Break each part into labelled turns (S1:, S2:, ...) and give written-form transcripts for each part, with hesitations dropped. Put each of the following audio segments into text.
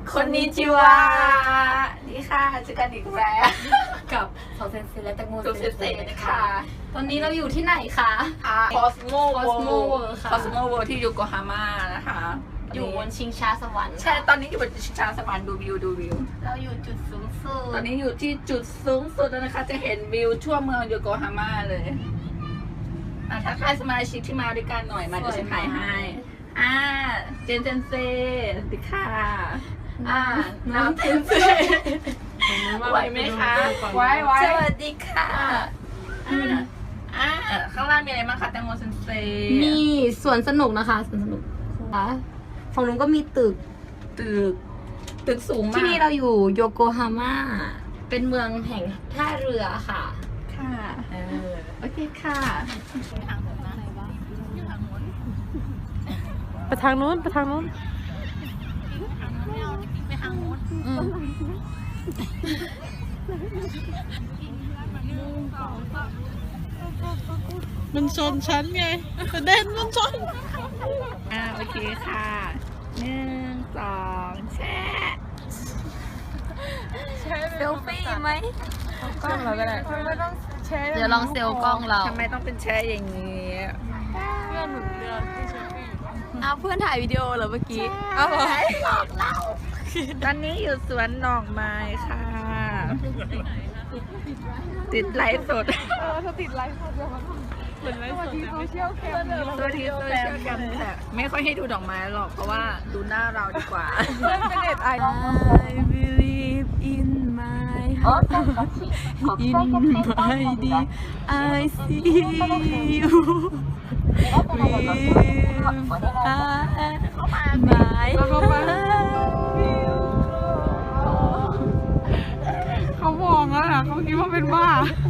S1: คนนิจิวะนี่ค่ะเจอกันอีกแล้ว
S2: กับสาวเซนเซและแตงโม
S1: ตูเซเซนะคะ
S2: ตอนนี้เราอยู่ที่ไหนคะ
S1: คอสโม
S2: World ค่ะ
S1: คอสโมเวิลด์ที่โยโกฮาม่านะคะ
S2: อยู่บนชิงช้าสวรรค์
S1: ใช่ตอนนี้อยู่บนชิงช้าสวรรค์ดูวิว
S2: เราอยู่จุดสูงสุด
S1: ตอนนี้อยู่ที่จุดสูงสุดแล้วนะคะ จะเห็นวิวทั่วเมืองโยโกฮาม่าเลยทักทายสมาชิกที่มาด้วยกันหน่อยมาเดี๋ยวฉันถ่ายให้เจนเซสวัสดีค่ะน้ำเจนเซไหวไหมคะไหวสวัสดีค่ะข้างล่างมีอะไรบ้างคะแตงโมเซนเซ
S2: มีสวนสนุกนะคะสวนสนุกค่ะฝั่งนู้นก็มีตึก
S1: ตึกสูงมาก
S2: ที่นี่เราอยู่โยโกฮาม่าเป็นเมืองแห่งท่าเรือค่ะ
S1: ค่ะโอเคค่ะ
S3: ไปทางนู้นมันชนฉันไงประเด็นมันชน
S1: โอเคค่ะ1 2แช่
S2: เซลฟี่ไหม
S3: กล้องเราก็ได้ไม่ต้องแชร์
S2: เดี๋ยวลองเซลกล้องเรา
S1: ทำไมต้องเป็นแช่อย่างนี้
S3: เพื่อนหนุนเรือที่เชฟฟี่
S2: เอาเพื่อนถ่ายวิดีโอเหรอเมื่อกี้
S3: เอาเหรอ
S1: หลอกเราตอนนี้อยู่สวนดอกไม้ค่ะ ติดไลฟ์สด
S3: ถ้าติดไลฟ์สดเดี๋ยวมันเหมือนไลฟ์สดแต่ไม่เชี่ยวแคม
S1: ตัวที่โซเชียลกันแต่ไม่ค่อยให้ดูดอกไม้หรอกเพราะว่าดูหน้าเราดีกว่า
S3: เป็นเน็ตไอ
S2: I believe in my heart in my deep I see you with my
S3: เข้ามา เขามองแล้วนะเขาคิดว่าเป็นบ้า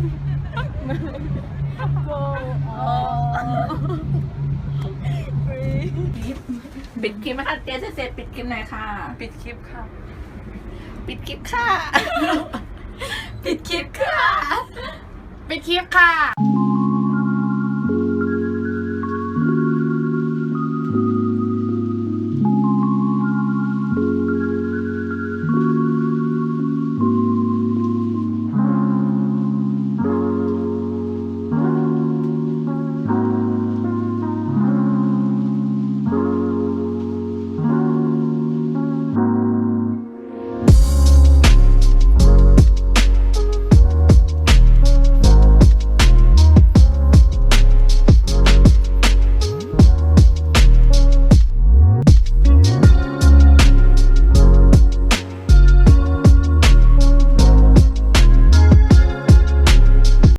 S1: ปิดคลิปไหมคะเจเสร็จปิดคลิปหน่อยค่ะ
S3: ปิดคลิปค่ะ
S1: ปิดคลิปค่ะ
S2: ปิดคลิปค่ะ ปิดคลิปค่ะ